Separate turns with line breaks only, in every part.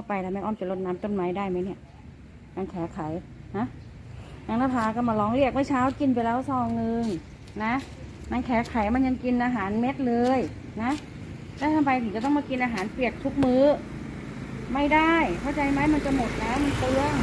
าไปแล้วแม่อ้อมจะรดน้ำต้นไม้ได้ไหมเนี่ยนางแขไขฮะนางนภาก็มาร้องเรียกเมื่อเช้ากินไปแล้วซองนึงนะนางแขไขมันยังกินอาหารเม็ดเลยนะแล้วทำไมถึงจะต้องมากินอาหารเปียกทุกมื้อไม่ได้เข้าใจไหมมันจะหมดแล้วมันเปลือง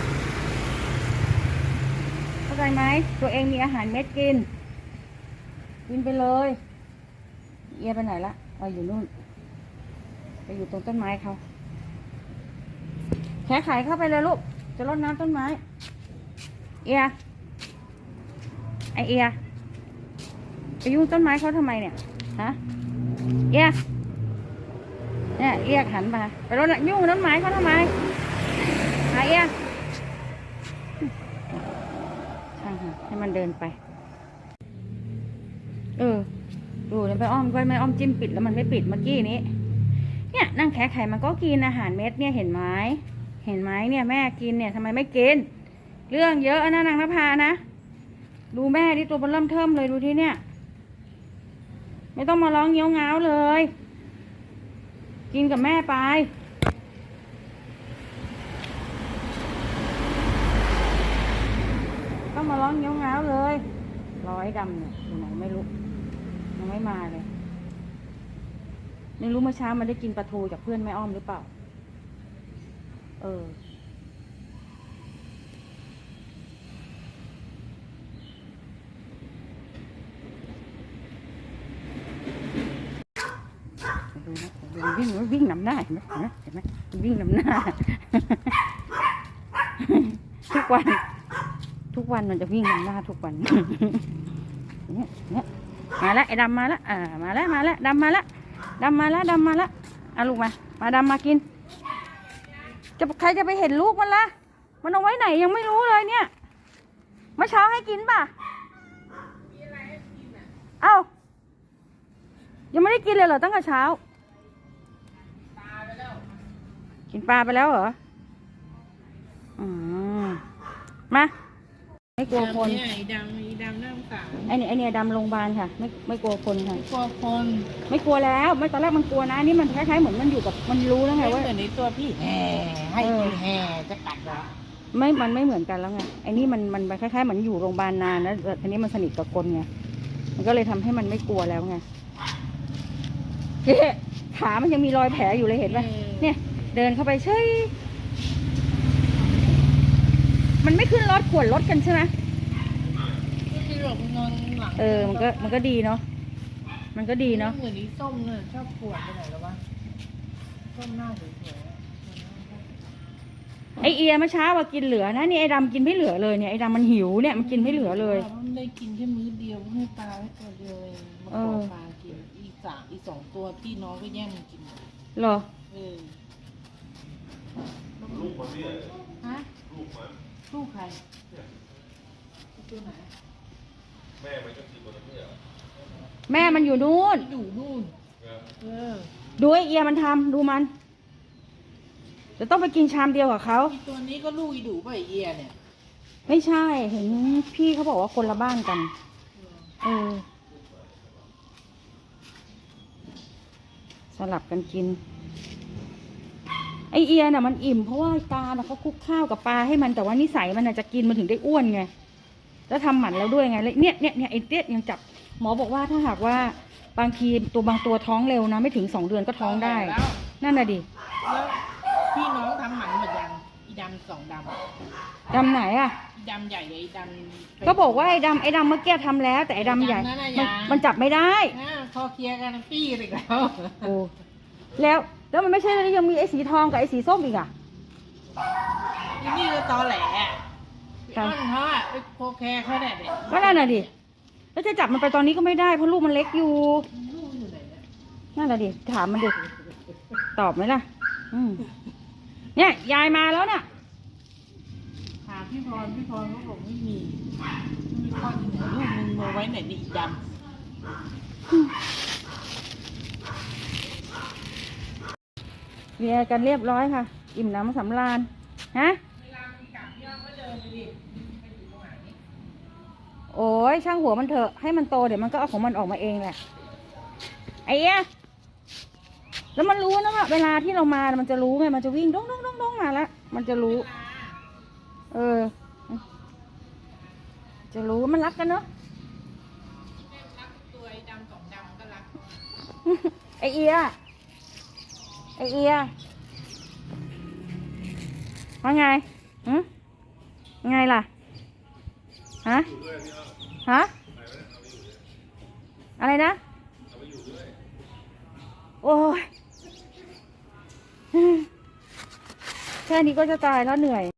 เข้าใจไหมตัวเองมีอาหารเม็ดกินไปเลยเอียไปไหนละอยู่นู่นไปอยู่ตรงต้นไม้เขาแขไขเข้าไปเลยลูกจะรดน้ำต้นไม้เอียไอเอียไปยุ่งต้นไม้เขาทำไมเนี่ยฮะเอียเนี่ยเรียกหันมาไปรดยุ่งต้นไม้เขาทำไมเอียช่างค่ะให้มันเดินไปดูเนี่ยไปอ้อมก็ไม่อ้อมจิ้มปิดแล้วมันไม่ปิดเมื่อกี้นี้เนี่ยนั่งแขไขมันก็กินอาหารเม็ดเนี่ยเห็นไหมเนี่ยแม่กินเนี่ยทำไมไม่กินเรื่องเยอะนะนางนภานะดูแม่ที่ตัวมันเริ่มเทิมเลยดูที่เนี่ยไม่ต้องมาร้องเงี้ยวง้าวเลยกินกับแม่ไปต้องมาร้องเงี้ยวง้าวเลยร้อยดำเนี่ยอยู่ไหนไม่รู้ยังไม่มาเลยไม่รู้เมื่อเช้ามันได้กินปลาทูจากเพื่อนแม่อ้อมหรือเปล่าดูนะวิ่งนำหน้าเห็นไหมวิ่งนำหน้า ทุกวันมันจะวิ่งนำหน้าทุกวัน เนี่ยมาแล้วไอ้ดำมาแล้วมาแล้วดำมาแล้วลูกมาดำมากินใครจะไปเห็นลูกมันล่ะมันเอาไว้ไหนยังไม่รู้เลยเนี่ยเมื่อเช้าให้กินป่ะเอ้ายังไม่ได้กินเลยเหรอตั้งแต่เช้ากินปลาไปแล้วเหรอมาไม่กลัวคน
ไอ้ดำน่าสงสาร
ไอ้เนี่ยดำโรงพยาบาลค่ะไม่กลัวคนค่ะ
ไม่กลัวคน
ไม่กลัวแล้วไม่ตอนแรกมันกลัวนะนี่มันคล้ายๆเหมือนมันอยู่กับมันรู้แล้วไงว่า
เหมือนในตัวพี่แห่ให้กินแห่จะกัดเหรอ
มันไม่เหมือนกันแล้วไงไอ้นี่มันคล้ายๆเหมือนอยู่โรงพยาบาลนานแล้วทีนี้มันสนิทกับคนไงมันก็เลยทำให้มันไม่กลัวแล้วไงขามันยังมีรอยแผลอยู่เลยเห็นป่ะเนี่ยเดินเข้าไปเฉยมันไม่ขึ้นรถขวนรถกันใช่ไหม
ที่หลบนอนหลัง
มันก็ดีเนาะเหมือน
นี้ส้มเนี่ยชอบขวดไปไหนแล้ววะส้มหน้าสวย
ไอเอียเมื่อเช้าว่ากินเหลือนะนี่ไอดำกินไม่เหลือเลยเนี่ยไอดำมันหิวเนี่ยมันกินไม่เหลือเลย
มันได้กินแค่มื้อเดียวให้ปลาไว้ตัวเดียวเองมาขอปลากินอีก2 ตัวพี่น้องก็แย่งมันกิน
เหรอ
ลูกมันเนี่ยฮะลูกใครตัวไหน
แม่มันก็คือตัวนั้นไม่เหรอ
แม่มันอยู่นู่นดูไอเอียมันทำดูมันจะต้องไปกินชามเดียวกับเขา
ตัวนี้ก็ลูกอีดูป่ะเอียเนี่ย
ไม่ใช่เห็นพี่เขาบอกว่าคนละบ้านกันสลับกันกินไอเอียน่ะมันอิ่มเพราะว่าตาเขาคลุกข้าวกับปลาให้มันแต่ว่านิสัยมันจะกินมันถึงได้อ้วนไงแล้วทำหมันแล้วด้วยไงเนี่ยไอเตี้ยยังจับหมอบอกว่าถ้าหากว่าบางทีบางตัวท้องเร็วนะไม่ถึง2 เดือนก็ท้องได้นั่นน่ะดิ
แล้วพี่น้องทำหมันหมดยังอีดำ2
ดำไหนอ่ะ
อีดำใหญ่กับอีดำ
ก็บอกว่าไอ้ดำเมื่อกี้ทำแล้วแต่ไอ้ดำใหญ่มันจับไม่ได้
พอเคลียร์กันปี้อีกแล้ว
โอ้แล้วมันไม่ใช่เลยยังมีไอ้สีทองกับไอ้สีส้มอีกอ่ะ
นี่ก็ตอแหลต้นเขาอ่ะไปโคแคร์เขาเนี่ย
ก็นั่นน่ะดิแล้วจะจับมันไปตอนนี้ก็ไม่ได้เพราะลูกมันเล็กอยู่นั่นแหละดิถามมันดิตอบไหมล่ะเนี่ยยายมาแล้วเนี่ย
ถามพี่พรเขาบอกไม่มีข้อที่ไหนลูกมึงมาไว้ไหนนี่ดำ
เรียกันเรียบร้อยค่ะอิ่มน้ำสำราญฮะโอ้ยช่างหัวมันเถอะให้มันโตเดี๋ยวมันก็เอาของมันออกมาเองแหละไอ้เอี้ยแล้วมันรู้นะว่าเวลาที่เรามามันจะรู้ไงมันจะวิ่งดองมาแล้ว มันจะรู้ เออ จะรู้มันรักกันเนาะ
รักตัวไอ้ดำสองดำก็รัก
ไอเอียว่าไงไงล่ะ ฮะ ฮะ อะไรนะ โอ้ย แค่นี้ก็จะตายแล้วเหนื่อย